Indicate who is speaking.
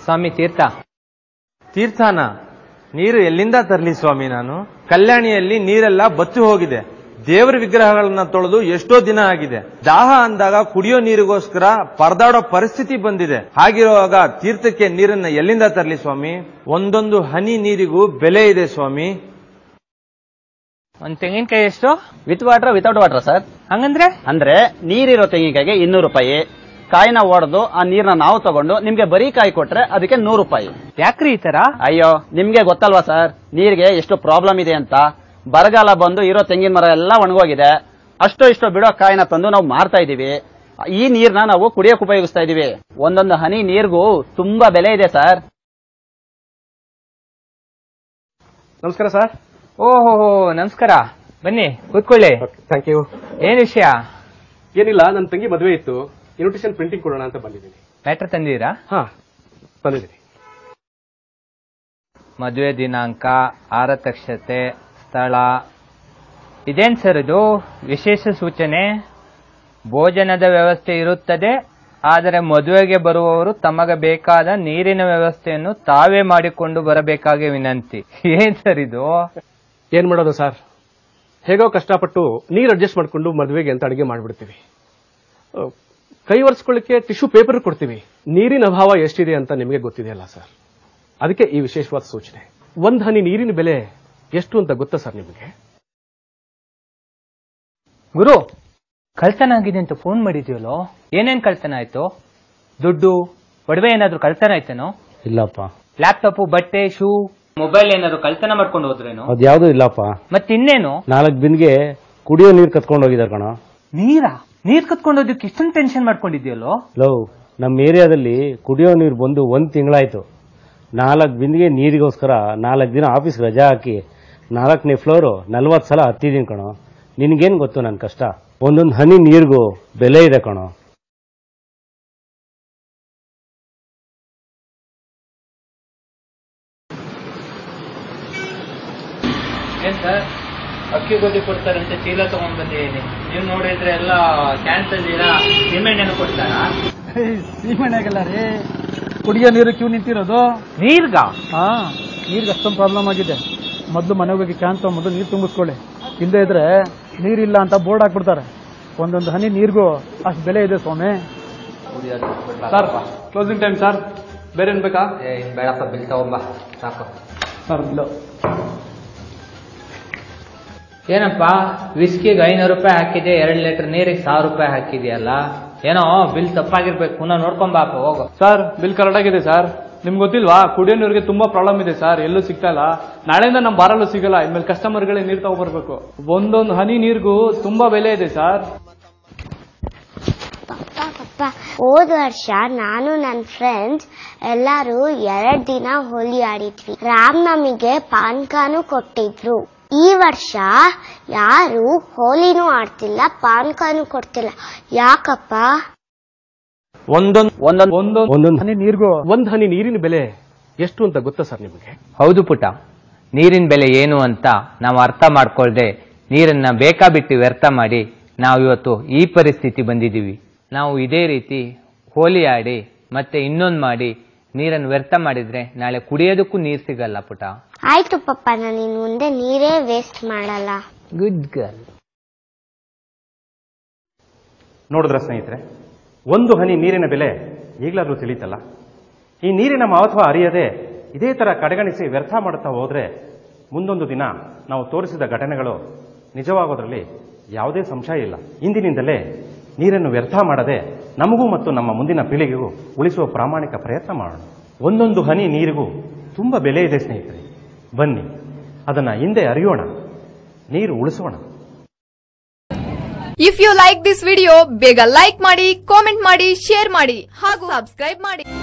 Speaker 1: ಸ್ವಾಮಿ ತೀರ್ಥನ ನೀರು ಎಲ್ಲಿಂದ ತರಲಿ ಸ್ವಾಮಿ? ನಾನು ಕಲ್ಯಾಣಿಯಲ್ಲಿ ನೀರೆಲ್ಲ ಬತ್ತಿ ಹೋಗಿದೆ. ದೇವರ ವಿಗ್ರಹಗಳನ್ನ ತೊಳೆದು ಎಷ್ಟೋ ದಿನ ಆಗಿದೆ. ದಾಹ ಅಂದಾಗ ಕುಡಿಯೋ ನೀರಿಗೋಸ್ಕರ ಪರದಾಡೋ ಪರಿಸ್ಥಿತಿ ಬಂದಿದೆ. ಹಾಗಿರುವಾಗ ತೀರ್ಥಕ್ಕೆ ನೀರನ್ನ ಎಲ್ಲಿಂದ ತರಲಿ ಸ್ವಾಮಿ? ಒಂದೊಂದು ಹನಿ ನೀರಿಗೂ ಬೆಲೆ ಇದೆ ಸ್ವಾಮಿ.
Speaker 2: ಒಂದ್ ತೆಂಗಿನಕಾಯಿ ಎಷ್ಟು?
Speaker 3: With water without water sir.
Speaker 2: ಹಂಗಂದ್ರೆ
Speaker 3: ಅಂದ್ರೆ ನೀರಿರೋ ತೆಂಗಿನಕಾಯಿಗೆ 200 ರೂಪಾಯಿ. ಕಾಯಿನ ಒಡೆದು ಆ ನೀರ್ನ ನಾವು ತಗೊಂಡು ನಿಮ್ಗೆ ಬರೀ ಕಾಯಿ ಕೊಟ್ರೆ ಅದಕ್ಕೆ 100 ರೂಪಾಯಿ.
Speaker 2: ಯಾಕ್ರಿ ಈ ತರ?
Speaker 3: ಅಯ್ಯೋ ನಿಮ್ಗೆ ಗೊತ್ತಲ್ವಾ ಸರ್ ನೀರಿಗೆ ಎಷ್ಟು ಪ್ರಾಬ್ಲಮ್ ಇದೆ ಅಂತ. ಬರಗಾಲ ಬಂದು ಇರೋ ತೆಂಗಿನ ಮರ ಎಲ್ಲ ಒಣಗೋಗಿದೆ. ಅಷ್ಟೋ ಇಷ್ಟೋ ಬಿಡೋ ಕಾಯಿನ ತಂದು ನಾವು ಮಾರ್ತಾ ಇದೀವಿ. ಈ ನೀರ್ನ ನಾವು ಕುಡಿಯೋಕೆ ಉಪಯೋಗಿಸ್ತಾ ಇದೀವಿ. ಒಂದೊಂದು ಹನಿ ನೀರ್ಗೂ ತುಂಬಾ ಬೆಲೆ ಇದೆ ಸರ್.
Speaker 4: ನಮಸ್ಕಾರ ಸರ್.
Speaker 2: ಓಹೋ ನಮಸ್ಕಾರ, ಬನ್ನಿ ಕೂತ್ಕೊಳ್ಳಿ.
Speaker 4: Thank you.
Speaker 2: ಏನ್ ವಿಷಯ?
Speaker 4: ಏನಿಲ್ಲ, ನನ್ನ ತಂಗಿ ಮದುವೆ ಇತ್ತು, ಇನ್ವಿಟೇಷನ್ ಪ್ರಿಂಟಿಂಗ್ ಕೊಡೋಣ ಅಂತ ಬಂದಿದ್ದೀನಿ.
Speaker 2: ಲೆಟರ್ ತಂದಿದ್ದೀರಾ?
Speaker 4: ಹಾ ಬಂದಿದ್ದೀನಿ.
Speaker 2: ಮದುವೆ ದಿನಾಂಕ, ಆರತಕ್ಷತೆ, ಸ್ಥಳ. ಇದೇನ್ ಸರ್ ಇದು? ವಿಶೇಷ ಸೂಚನೆ. ಭೋಜನದ ವ್ಯವಸ್ಥೆ ಇರುತ್ತದೆ, ಆದರೆ ಮದುವೆಗೆ ಬರುವವರು ತಮಗೆ ಬೇಕಾದ ನೀರಿನ ವ್ಯವಸ್ಥೆಯನ್ನು ತಾವೇ ಮಾಡಿಕೊಂಡು ಬರಬೇಕಾಗಿ ವಿನಂತಿ. ಏನ್ ಸರ್ ಇದು?
Speaker 4: ಏನ್ ಮಾಡೋದು ಸರ್, ಹೇಗೋ ಕಷ್ಟಪಟ್ಟು ನೀರು ಅಡ್ಜಸ್ಟ್ ಮಾಡ್ಕೊಂಡು ಮದುವೆಗೆ ಅಂತ ಅಡಿಗೆ ಮಾಡ್ಬಿಡ್ತೀವಿ. ಕೈ ಒರೆಸ್ಕೊಳ್ಳಿಕ್ಕೆ ಟಿಶ್ಯೂ ಪೇಪರ್ ಕೊಡ್ತೀವಿ. ನೀರಿನ ಅಭಾವ ಎಷ್ಟಿದೆ ಅಂತ ನಿಮಗೆ ಗೊತ್ತಿದೆಯಲ್ಲ ಸರ್. ಅದಕ್ಕೆ ಈ ವಿಶೇಷವಾದ ಸೂಚನೆ. ಒಂದ್ ಹನಿ ನೀರಿನ ಬೆಲೆ ಎಷ್ಟು ಅಂತ ಗೊತ್ತಾ ಸರ್ ನಿಮಗೆ?
Speaker 2: ಗುರು, ಕಳ್ತನ ಆಗಿದೆ ಅಂತ ಫೋನ್ ಮಾಡಿದ್ಯಲ್ಲೋ, ಏನೇನ್ ಕಳ್ತನ ಆಯ್ತು? ದುಡ್ಡು, ಒಡವೆ ಏನಾದ್ರು ಕಳ್ತನ ಆಯ್ತೇನೋ?
Speaker 5: ಇಲ್ಲಪ್ಪ.
Speaker 2: ಲ್ಯಾಪ್ಟಾಪ್, ಬಟ್ಟೆ, ಶೂ, ಮೊಬೈಲ್ ಏನಾದ್ರು ಕಳ್ತನ ಮಾಡ್ಕೊಂಡು ಹೋದ್ರೇನು?
Speaker 5: ಅದ್ಯಾವ್ದು ಇಲ್ಲಪ್ಪ.
Speaker 2: ಮತ್ತಿನ್ನೇನು?
Speaker 5: 4 ಬಿಂದಿಗೆ ಕುಡಿಯೋ ನೀರು ಕತ್ಕೊಂಡು ಹೋಗಿದಾರ ಕಣ.
Speaker 2: ನೀರ್ ಕತ್ಕೊಂಡೋದಕ್ಕೆ ಇಷ್ಟೊಂದು ಟೆನ್ಷನ್ ಮಾಡ್ಕೊಂಡಿದ್ಯಲ್ಲೋ?
Speaker 5: ನಮ್ಮ ಏರಿಯಾದಲ್ಲಿ ಕುಡಿಯೋ ನೀರು ಬಂದು 1 ತಿಂಗಳಾಯ್ತು. 4 ಬಿಂದಿಗೆ ನೀರಿಗೋಸ್ಕರ 4 ದಿನ ಆಫೀಸ್ ರಜಾ ಹಾಕಿ 4ನೇ ಫ್ಲೋರು 40 ಸಲ ಹತ್ತಿದೀನಿ ಕಣೋ. ನಿನ್ಗೇನ್ ಗೊತ್ತು ನನ್ ಕಷ್ಟ? ಒಂದೊಂದು ಹನಿ ನೀರಿಗೂ ಬೆಲೆ ಇದೆ ಕಣೋ.
Speaker 2: ಏನ್ ಸರ್, ಅಕ್ಕಿ ಗೋಧಿ ಕೊಡ್ತಾರಂತೆ ಚೀಲ ತಗೊಂಡ್ ಬಂದಿದ್ದೀನಿ. ನೀವು ನೋಡಿದ್ರೆ ಎಲ್ಲ ಕ್ಯಾನ್ಸಲ್ ಸೀಮೆಣ್ಣೆನೂ ಕೊಡ್ತಾರ?
Speaker 6: ಸೀಮೆಣ್ಣೆಗೆಲ್ಲ ರೀ, ಕುಡಿಯೋ ನೀರು ಕ್ಯೂ ನಿಂತಿರೋದು.
Speaker 2: ನೀರ್ಗ?
Speaker 6: ಹಾ, ನೀರ್ಗೆ ಅಷ್ಟೊಂದು ಪ್ರಾಬ್ಲಮ್ ಆಗಿದೆ. ಮೊದಲು ಮನೆಗೆ ಹೋಗಿ ಕ್ಯಾನ್ ತಗೊಂಡ್ಬಂದು ನೀರು ತುಂಬಿಸ್ಕೊಳ್ಳಿ. ಇಲ್ಲದೆ ಇದ್ರೆ ನೀರಿಲ್ಲ ಅಂತ ಬೋರ್ಡ್ ಹಾಕ್ಬಿಡ್ತಾರೆ. ಒಂದೊಂದು ಹನಿ ನೀರಿಗೂ ಅಷ್ಟು ಬೆಲೆ ಇದೆ ಸ್ವಾಮಿ.
Speaker 4: Sir closing time sir. ಬೇರೆ ಏನ್ ಬೇಕಾ?
Speaker 2: ಬೇಡಪ್ಪ, ಬಿಲ್ ತಗೊಂಬ ಸಾಕು.
Speaker 4: ಸರ್ ಬಿಲ್
Speaker 2: ಏನಪ್ಪ, ವಿಸ್ಕಿಗೆ 500 ರೂಪಾಯಿ ಹಾಕಿದೆ, 2 ಲೀಟರ್ ನೀರಿಗೆ 1000 ರೂಪಾಯಿ ಹಾಕಿದೆಯಲ್ಲ? ಏನೋ ಬಿಲ್ ತಪ್ಪಾಗಿರ್ಬೇಕು, ಪುನಃ ನೋಡ್ಕೊಂಬಾಪ ಹೋಗು.
Speaker 4: ಸರ್ ಬಿಲ್ ಕರೆಕ್ಟ್ ಆಗಿದೆ ಸರ್. ನಿಮ್ಗೆ ಗೊತ್ತಿಲ್ವಾ, ಕುಡಿಯೋ ನೀರಿಗೆ ತುಂಬಾ ಪ್ರಾಬ್ಲಮ್ ಇದೆ ಸರ್. ಎಲ್ಲೂ ಸಿಗ್ತಾ ಇಲ್ಲ. ನಾಳೆಯಿಂದ ನಮ್ಮ ಬಾರಲ್ಲೂ ಸಿಗಲ್ಲ. ಇನ್ಮೇಲೆ ಕಸ್ಟಮರ್ಗಳೇ ನೀರು ತಗೋಬರ್ಬೇಕು. ಒಂದೊಂದು ಹನಿ ನೀರಿಗೂ ತುಂಬಾ ಬೆಲೆ ಇದೆ ಸರ್.
Speaker 7: ಹೋದ ವರ್ಷ ನಾನು ನನ್ನ ಫ್ರೆಂಡ್ಸ್ ಎಲ್ಲರೂ 2 ದಿನ ಹೋಲಿ ಆಡಿದ್ವಿ. ರಾಮನವಮಿಗೆ ಪಾನ್ಕಾನು ಕೊಟ್ಟಿದ್ರು. ಈ ವರ್ಷ ಯಾರು ಹೋಲಿನೂ ಆಡ್ತಿಲ್ಲ, ಪಾನ್ಕಾನು ಕೊಡ್ತಿಲ್ಲ. ಯಾಕಪ್ಪ?
Speaker 4: ಒಂದೊಂದು ಹನಿ ನೀರಿಗೂ ಒಂದ್ ಹನಿ ನೀರಿನ ಬೆಲೆ ಎಷ್ಟು ಅಂತ ಗೊತ್ತಾ ಸರ್ ನಿಮಗೆ?
Speaker 2: ಹೌದು ಪುಟ, ನೀರಿನ ಬೆಲೆ ಏನು ಅಂತ ನಾವು ಅರ್ಥ ಮಾಡ್ಕೊಳ್ದೆ ನೀರನ್ನ ಬೇಕಾಬಿಟ್ಟು ವ್ಯರ್ಥ ಮಾಡಿ ನಾವು ಇವತ್ತು ಈ ಪರಿಸ್ಥಿತಿ ಬಂದಿದ್ದೀವಿ. ನಾವು ಇದೇ ರೀತಿ ಹೋಲಿ ಆಡಿ ಮತ್ತೆ ಇನ್ನೊಂದು ಮಾಡಿ ನೀರನ್ನು ವ್ಯರ್ಥ ಮಾಡಿದ್ರೆ ನಾಳೆ ಕುಡಿಯೋದಕ್ಕೂ ನೀರು ಸಿಗಲ್ಲ ಪುಟ.
Speaker 7: ಆಯ್ತು ಪಪ್ಪ, ನಾನು ಇನ್ನು ಮುಂದೆ ನೀರೇ ವೇಸ್ಟ್ ಮಾಡಲ್ಲ.
Speaker 2: Good girl.
Speaker 8: ನೋಡಿದ್ರ ಸ್ನೇಹಿತರೆ, ಒಂದು ಹನಿ ನೀರಿನ ಬೆಲೆ ಈಗಲಾದ್ರೂ ತಿಳಿತಲ್ಲ. ಈ ನೀರಿನ ಮಹತ್ವ ಅರಿಯದೆ ಇದೇ ತರ ಕಡೆಗಣಿಸಿ ವ್ಯರ್ಥ ಮಾಡುತ್ತಾ ಹೋದ್ರೆ ಮುಂದೊಂದು ದಿನ ನಾವು ತೋರಿಸಿದ ಘಟನೆಗಳು ನಿಜವಾಗೋದ್ರಲ್ಲಿ ಯಾವುದೇ ಸಂಶಯ ಇಲ್ಲ. ಇಂದಿನಿಂದಲೇ ನೀರನ್ನು ವ್ಯರ್ಥ ಮಾಡದೆ ನಮಗೂ ಮತ್ತು ನಮ್ಮ ಮುಂದಿನ ಪೀಳಿಗೆಗೂ ಉಳಿಸುವ ಪ್ರಾಮಾಣಿಕ ಪ್ರಯತ್ನ ಮಾಡೋಣ. ಒಂದೊಂದು ಹನಿ ನೀರಿಗೂ ತುಂಬಾ ಬೆಲೆ ಇದೆ ಸ್ನೇಹಿತರೆ. ಬನ್ನಿ ಅದನ್ನ ಹಿಂದೆ ಅರಿಯೋಣ, ನೀರು ಉಳಿಸೋಣ.
Speaker 9: If you like this video ಬೇಗ ಲೈಕ್ ಮಾಡಿ, ಕಾಮೆಂಟ್ ಮಾಡಿ, ಶೇರ್ ಮಾಡಿ ಹಾಗೂ ಸಬ್ಸ್ಕ್ರೈಬ್ ಮಾಡಿ.